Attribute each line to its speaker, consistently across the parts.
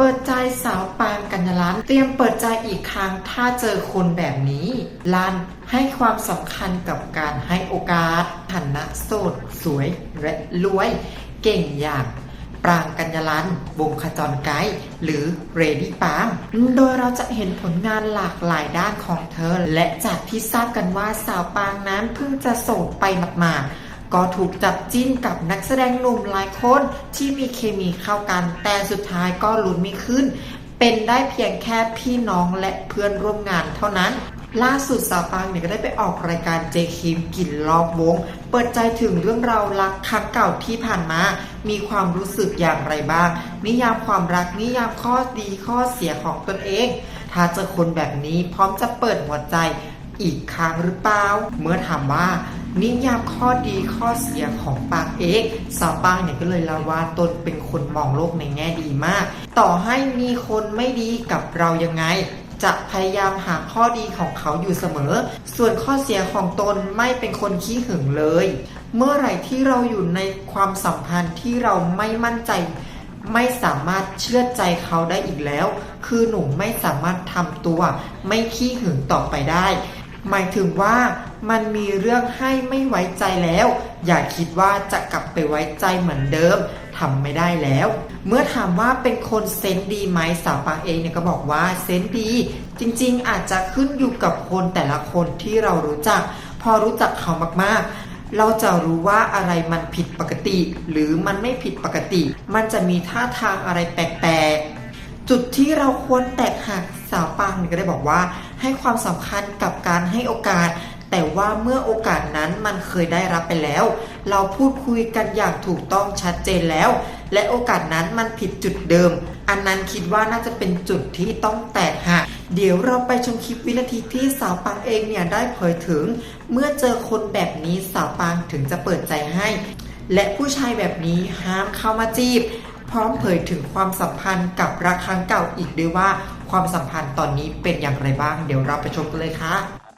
Speaker 1: ปิดใจสาวปางกัญญาลันเตรียมเปิดใจอีกครั้งถ้าเจอคนแบบนี้ลันให้ความสำคัญกับการให้โอกาสฐานะโสดสวยและรวยเก่งอย่างปรางกัญญาลันวงขจรไกด์หรือเรดี้ปางโดยเราจะเห็นผลงานหลากหลายด้านของเธอและจากที่ทราบกันว่าสาวปางนั้นเพิ่งจะโสดไปหมาดๆก็ถูกจับจิ้นกับนักแสดงหนุ่มหลายคนที่มีเคมีเข้ากันแต่สุดท้ายก็ลุ้นไม่ขึ้นเป็นได้เพียงแค่พี่น้องและเพื่อนร่วมงานเท่านั้นล่าสุดสาวปางเนี่ยก็ได้ไปออกรายการเจคิมกินรอบวงเปิดใจถึงเรื่องราวรักครั้งเก่าที่ผ่านมามีความรู้สึกอย่างไรบ้างนิยามความรักนิยามข้อดีข้อเสียของตนเองถ้าเจอคนแบบนี้พร้อมจะเปิดหัวใจอีกครั้งหรือเปล่าเมื่อถามว่านิยามข้อดีข้อเสียของปางเองสาวปางเนี่ยก็เลยเล่าว่าตนเป็นคนมองโลกในแง่ดีมากต่อให้มีคนไม่ดีกับเรายังไงจะพยายามหาข้อดีของเขาอยู่เสมอส่วนข้อเสียของตนไม่เป็นคนขี้หึงเลยเมื่อไหร่ที่เราอยู่ในความสัมพันธ์ที่เราไม่มั่นใจไม่สามารถเชื่อใจเขาได้อีกแล้วคือหนูไม่สามารถทำตัวไม่ขี้หึงต่อไปได้หมายถึงว่ามันมีเรื่องให้ไม่ไว้ใจแล้วอย่าคิดว่าจะกลับไปไว้ใจเหมือนเดิมทำไม่ได้แล้วเมื่อถามว่าเป็นคนเซนส์ดีไหมสาวปางเองเนี่ยก็บอกว่าเซนส์ดีจริงๆอาจจะขึ้นอยู่กับคนแต่ละคนที่เรารู้จักพอรู้จักเขามากๆเราจะรู้ว่าอะไรมันผิดปกติหรือมันไม่ผิดปกติมันจะมีท่าทางอะไรแปลกๆจุดที่เราควรแตกหักสาวปางเนี่ยก็ได้บอกว่าให้ความสำคัญกับการให้โอกาสแต่ว่าเมื่อโอกาสนั้นมันเคยได้รับไปแล้วเราพูดคุยกันอย่างถูกต้องชัดเจนแล้วและโอกาสนั้นมันผิดจุดเดิมอันนั้นคิดว่าน่าจะเป็นจุดที่ต้องแตกหักเดี๋ยวเราไปชมคลิปวินาทีที่สาวปางเองเนี่ยได้เผยถึงเมื่อเจอคนแบบนี้สาวปางถึงจะเปิดใจให้และผู้ชายแบบนี้ห้ามเข้ามาจีบพร้อมเผยถึงความสัมพันธ์กับรักครั้งเก่าอีกด้วยว่าความสัมพันธ์ตอนนี้เป็นอย่างไรบ้างเดี๋ยวเราไปชมกันเลยค่ะ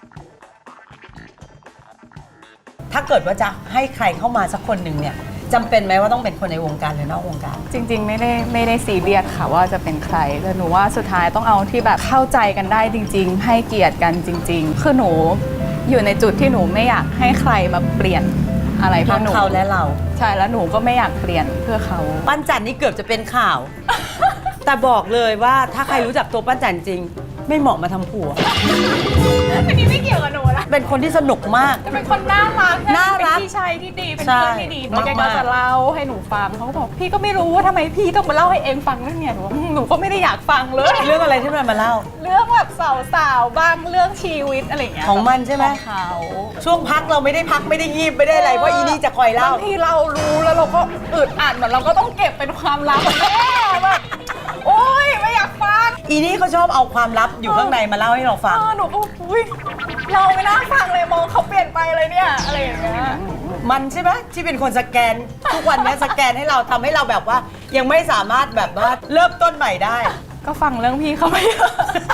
Speaker 2: ถ้าเกิดว่าจะให้ใครเข้ามาสักคนหนึ่งเนี่ยจำเป็นไหมว่าต้องเป็นคนในวงการหรือนอกวงการ
Speaker 3: จริงๆไม่ได้ซีเรียสค่ะว่าจะเป็นใครแต่หนูว่าสุดท้ายต้องเอาที่แบบเข้าใจกันได้จริงๆให้เกียรติกันจริงๆคือหนูอยู่ในจุดที่หนูไม่อยากให้ใครมาเปลี่ยนอะไรเพื่อหนู
Speaker 2: เขาและเรา
Speaker 3: ใช่แล้วหนูก็ไม่อยากเปลี่ยนเพื่อเขา
Speaker 2: ปั้นจันนี่เกือบจะเป็นข่าว แต่บอกเลยว่าถ้าใครรู้จักตัวปั้นจันจริงไม่เหมาะมาทำผัว
Speaker 3: อันนี้ไม่เกี่ยวกับหนูนะ
Speaker 2: เป็นคนที่สนุกมาก
Speaker 3: เป็นคนน่ารัก
Speaker 2: เป็น
Speaker 3: พี่ชายที่ดีเป็นเพื่อนที่ดีแล้วแกก็จะเล่าให้หนูฟังเขาก็บอกพี่ก็ไม่รู้ว่าทำไมพี่ต้องมาเล่าให้เองฟังเรื่องเนี้ยหนูก็ไม่ได้อยากฟังเลย
Speaker 2: เรื่องอะไรที่มันมาเล่า
Speaker 3: เรื่องแบบสาวๆบ้างเรื่องชีวิตอะไรอย่างเงี้ย
Speaker 2: ของมันใช่ไหม
Speaker 3: เขา
Speaker 2: ช่วงพักเราไม่ได้พักไม่ได้งีบไม่ได้อะไรเพราะอีนี่จะคอยเล่า
Speaker 3: บางทีเรารู้แล้วเราก็อึดอัดเหมือนเราก็ต้องเก็บเป็นความลับแม่แบบโอ๊ยไม่อยากฟัง
Speaker 2: อีนี่เขาชอบเอาความลับอยู่ข้างในมาเล่าให้เราฟัง
Speaker 3: หนูก็อุ้ยเราไม่น่าฟังเลยมองเขาเปลี่ยนไปเลยเนี่ยอะไรอย่างเงี้ย
Speaker 2: มันใช่ไหมที่เป็นคนสแกนทุกวันนี้สแกนให้เราทำให้เราแบบว่ายังไม่สามารถแบบว่าเริ่มต้นใหม่ได้
Speaker 3: ก็ฟังเรื่องพี่เขาไปเยอะ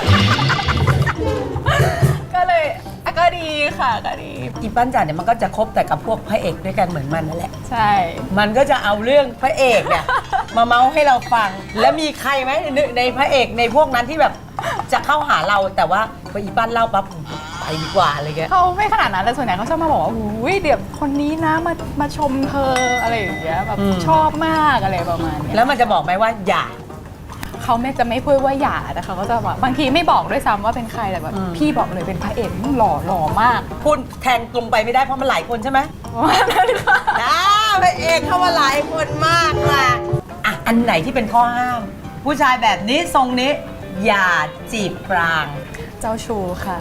Speaker 3: ก็เลยก็ดีค่ะก็ดี
Speaker 2: อีปั้นจันเนี่ยมันก็จะคบแต่กับพวกพระเอกด้วยกันเหมือนมันนั่นแหละ
Speaker 3: ใช่
Speaker 2: มันก็จะเอาเรื่องพระเอกเนี่ยมาเมาให้เราฟังแล้วมีใครไหมในพระเอกในพวกนั้นที่แบบจะเข้าหาเราแต่ว่าพออีปั้นเล่าปั๊บไปดีกว่าอะไรเงี้ย
Speaker 3: เขาไม่ขนาดนั้นแต่ส่วนใหญ่เขาชอบมาบอกว่าอุ้ยเดี๋ยวคนนี้นะมาชมเธออะไรอย่างเงี้ยแบบชอบมากอะไรประมาณนี้
Speaker 2: แล้วมันจะบอกไหมว่าอย่า
Speaker 3: เขาจะไม่พูดว่าอย่าแต่เขาก็จะบอกบางทีไม่บอกด้วยซ้ำว่าเป็นใครแต่แบบพี่บอกเลยเป็นพระเอกหล่อมาก
Speaker 2: พูดแทงตรงไปไม่ได้เพราะมันหลายคนใช่ไหม
Speaker 3: นั่นค่ะ
Speaker 2: พระเอกเข้ามาหลายคนมากค่ะอ่ะอันไหนที่เป็นข้อห้ามผู้ชายแบบนี้ทรงนี้อย่าจีบปราง
Speaker 3: เจ้าชู้ค่ะ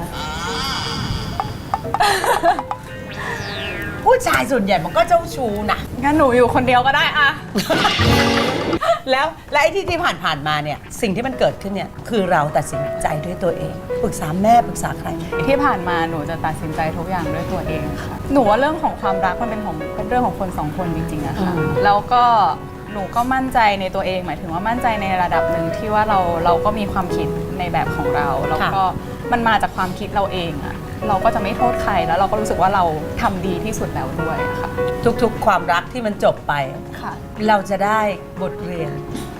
Speaker 2: ผู้ชายส่วนใหญ่มันก็เจ้าชู้นะ
Speaker 3: งั้นหนูอยู่คนเดียวก็ได้อะ
Speaker 2: แล้วไอ้ที่ผ่านมาเนี่ยสิ่งที่มันเกิดขึ้นเนี่ยคือเราตัดสินใจด้วยตัวเองปรึกษาแม่ปรึกษาใคร
Speaker 3: ที่ผ่านมาหนูจะตัดสินใจทุกอย่างด้วยตัวเองค่ะหนูว่าเรื่องของความรักมันเป็นเรื่องของคนสองคนจริงๆอะค่ะแล้วก็หนูก็มั่นใจในตัวเองหมายถึงว่ามั่นใจในระดับหนึ่งที่ว่าเราก็มีความคิดในแบบของเราแล้วก็มันมาจากความคิดเราเองอะเราก็จะไม่โทษใครแล้วเราก็รู้สึกว่าเราทำดีที่สุดแล้วด้วยค่ะ
Speaker 2: ทุกๆความรักที่มันจบไปเราจะได้บทเรียน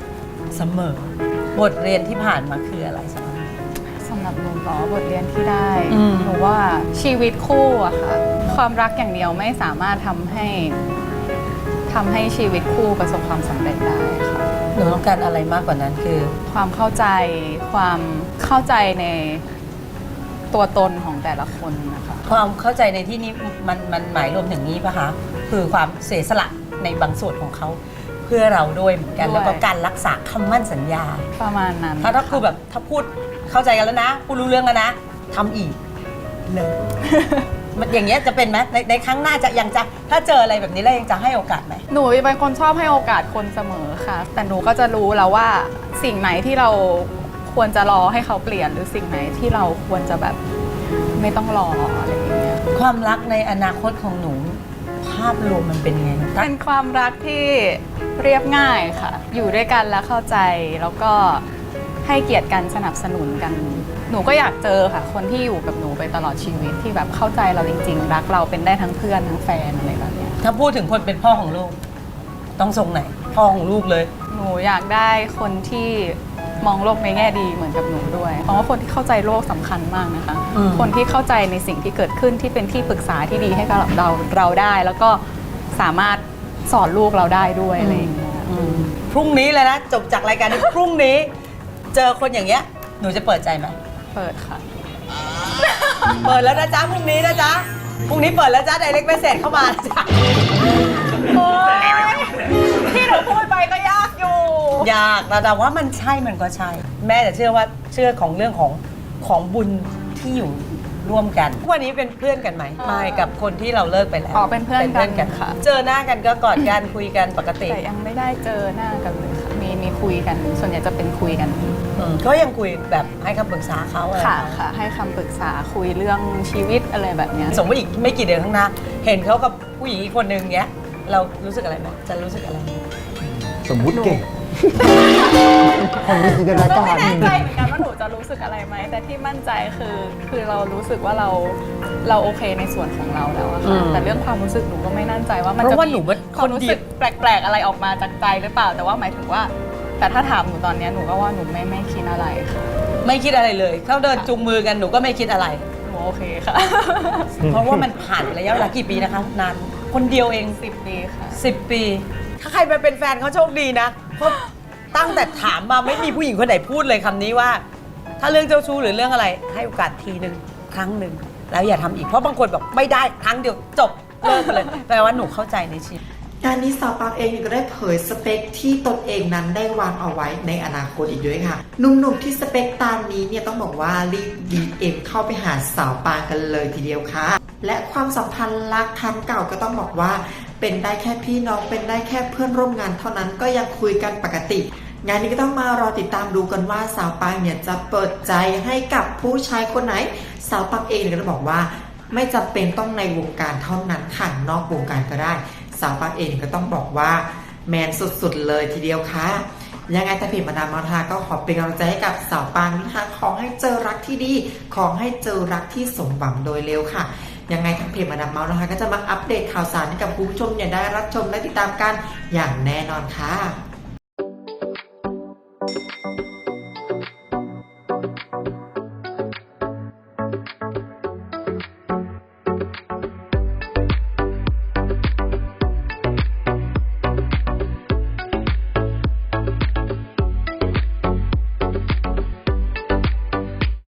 Speaker 2: เสมอบทเรียนที่ผ่านมาคืออะไรสำหรับ
Speaker 3: สำหรับหนูเหรอบทเรียนที่ได้
Speaker 2: อืม
Speaker 3: หนูว่าชีวิตคู่อะค่ะ ความรักอย่างเดียวไม่สามารถทำให้ชีวิตคู่ประสบความสำเร็จได้ค่ะ
Speaker 2: หนูต้องการอะไรมากกว่านั้นคือ
Speaker 3: ความเข้าใจในตัวตนของแต่ละคนนะคะ
Speaker 2: ความเข้าใจในที่นี้มันหมายรวมถึงนี้ปะคะคือความเสียสละในบางส่วนของเขาเพื่อเราด้วยเหมือนกัน
Speaker 3: ด้วย
Speaker 2: แล้วก็การรักษาคำมั่นสัญญา
Speaker 3: ประมาณนั้น
Speaker 2: ถ้าคือแบบถ้าพูดเข้าใจกันแล้วนะพูดรู้เรื่องแล้วนะทำอีกเลย มันอย่างเงี้ยจะเป็นไหมในครั้งหน้าจะยังจะถ้าเจออะไรแบบนี้แล้วยังจะให้โอกาสไหม
Speaker 3: หนูเป็นคนชอบให้โอกาสคนเสมอค่ะ แต่หนูก็จะรู้แล้วว่าสิ่งไหนที่เราควรจะรอให้เขาเปลี่ยนหรือสิ่งไหนที่เราควรจะแบบไม่ต้องรออะไรอย่างเงี้ย
Speaker 2: ความรักในอนาคตของหนูภาพรวมมันเป็นยังไง
Speaker 3: เป็นความรักที่เรียบง่ายค่ะ อยู่ด้วยกันแล้วเข้าใจแล้วก็ให้เกียรติกันสนับสนุนกัน หนูก็อยากเจอค่ะ คนที่อยู่กับหนูไปตลอดชีวิตที่แบบเข้าใจเราจริงๆ รักเราเป็นได้ทั้งเพื่อนทั้งแฟนอะไรแบบเนี้ย
Speaker 2: ถ้าพูดถึงคนเป็นพ่อของลูก ต้องทรงไหนพ่อของลูกเลย
Speaker 3: หนูอยากได้คนที่มองโลกในแง่ดีเหมือนกับหนูด้วย เพราะว่าคนที่เข้าใจโลกสำคัญมากนะคะ
Speaker 2: อืม
Speaker 3: คนที่เข้าใจในสิ่งที่เกิดขึ้นที่เป็นที่ปรึกษาที่ดีให้กับเราได้ แล้วก็สามารถสอนลูกเราได้ด้วยอะไรอย่างเงี้ย
Speaker 2: พรุ่งนี้เลยนะจบจากรายการนี้พรุ่งนี้ เจอคนอย่างเงี้ยหนูจะเปิดใจไหม
Speaker 3: เปิดค่ะ
Speaker 2: เปิดแล้วนะจ๊ะพรุ่งนี้นะจ๊ะพรุ่งนี้เปิดแล้วจ๊ะไดเรกเมสเซจเข้ามานะจ๊ะ
Speaker 3: โอ๊ยที่หนูพูดไปก็ยากอยู่
Speaker 2: ยากแต่ว่ามันใช่มันก็ใช่ แม่จะเชื่อของเรื่องของบุญที่อยู่ร่วมกันวันนี้เป็นเพื่อนกันไหมไม่กับคนที่เราเลิกไปแล้ว
Speaker 3: อ๋อเป็นเพื่อนกันค่ะ
Speaker 2: เจอหน้ากันก็กอดกันคุยกันปกติ
Speaker 3: แต่ยังไม่ได้เจอหน้ากันเลยค่ะมีคุยกันส่วนใหญ่จะเป็นคุยกัน
Speaker 2: ก็ยังคุยแบบให้คำปรึกษาเขาอะไร
Speaker 3: ค่ะค่ะ ให้คำปรึกษาคุยเรื่องชีวิตอะไรแบบเนี้ย
Speaker 2: สมมติอีกไม่กี่เดือนข้างหน้า เห็นเขากับผู้หญิงอีกคนนึงเงี้ย เรารู้สึกอะไรไหมจะรู้สึกอะไรไหม
Speaker 4: สมมุติเก่งคนมีจินตนา
Speaker 3: ก็
Speaker 4: การ
Speaker 3: ไม่แน่ใจเหมือนกันว่าหนูจะรู้สึกอะไรไหมแต่ที่มั่นใจคือเรารู้สึกว่าเราโอเคในส่วนของเราแล้วอะค่ะแต่เรื่องความรู้สึกหนูก็ไม่มั่นใจว่ามัน
Speaker 2: เพ
Speaker 3: จะ
Speaker 2: ราะว่าห
Speaker 3: มี
Speaker 2: นูเป็น
Speaker 3: ความรู้สึกแปลกๆอะไรออกมาจากใจหรือเปล่า แต่ว่าหมายถึงว่า แต่ถ้าถามหนูตอนเนี้ยหนูก็ว่าหนูไม่คิดอะไรค่ะ
Speaker 2: ไม่คิดอะไรเลยเขาเดินจูงมือกันหนูก็ไม่คิดอะไร
Speaker 3: หนูโอเคค่ะ
Speaker 2: เพราะว่ามันผ่านระยะเวลากี่ปีนะคะนานคนเดียวเอง
Speaker 3: 10 ปีค่ะ
Speaker 2: 10 ปี ถ้าใครมาเป็นแฟนเขาโชคดีนะเพราะตั้งแต่ถามมาไม่มีผู้หญิงคนไหนพูดเลยคำนี้ว่า ถ้าเรื่องเจ้าชู้หรือเรื่องอะไร ให้โอกาสทีหนึ่งครั้งหนึ่งแล้วอย่าทำอีกเพราะบางคนบอกไม่ได้ครั้งเดียวจบเลิกไปเลยแปลว่าหนูเข้าใจในชีวิต
Speaker 1: งานนี้สาวปางเองก็ได้เผยสเปคที่ตนเองนั้นได้วางเอาไว้ในอนาคตอีกด้วยค่ะหนุ่มๆที่สเปคตามนี้เนี่ยต้องบอกว่ารีบ DM เข้าไปหาสาวปางกันเลยทีเดียวค่ะและความสัมพันธ์รักครั้งเก่าก็ต้องบอกว่าเป็นได้แค่พี่น้องเป็นได้แค่เพื่อนร่วมงานเท่านั้นก็ยังคุยกันปกติงานนี้ก็ต้องมารอติดตามดูกันว่าสาวปางเนี่ยจะเปิดใจให้กับผู้ชายคนไหนสาวปางเองเนี่ยก็บอกว่าไม่จำเป็นต้องในวงการเท่านั้นค่ะนอกวงการก็ได้สาวปางเองก็ต้องบอกว่าแมนสุดๆเลยทีเดียวค่ะยังไงแต่เพจมาดามมาทาก็ขอเป็นกำลังใจให้กับสาวปางนะคะขอให้เจอรักที่ดีขอให้เจอรักที่สมหวังโดยเร็วค่ะยังไงทางเพจมาดามเมาส์นะคะก็จะมาอัปเดตข่าวสารให้กับคุณผู้ชมเนี่ยได้รับชมและติดตามกันอย่างแน่นอนค่ะ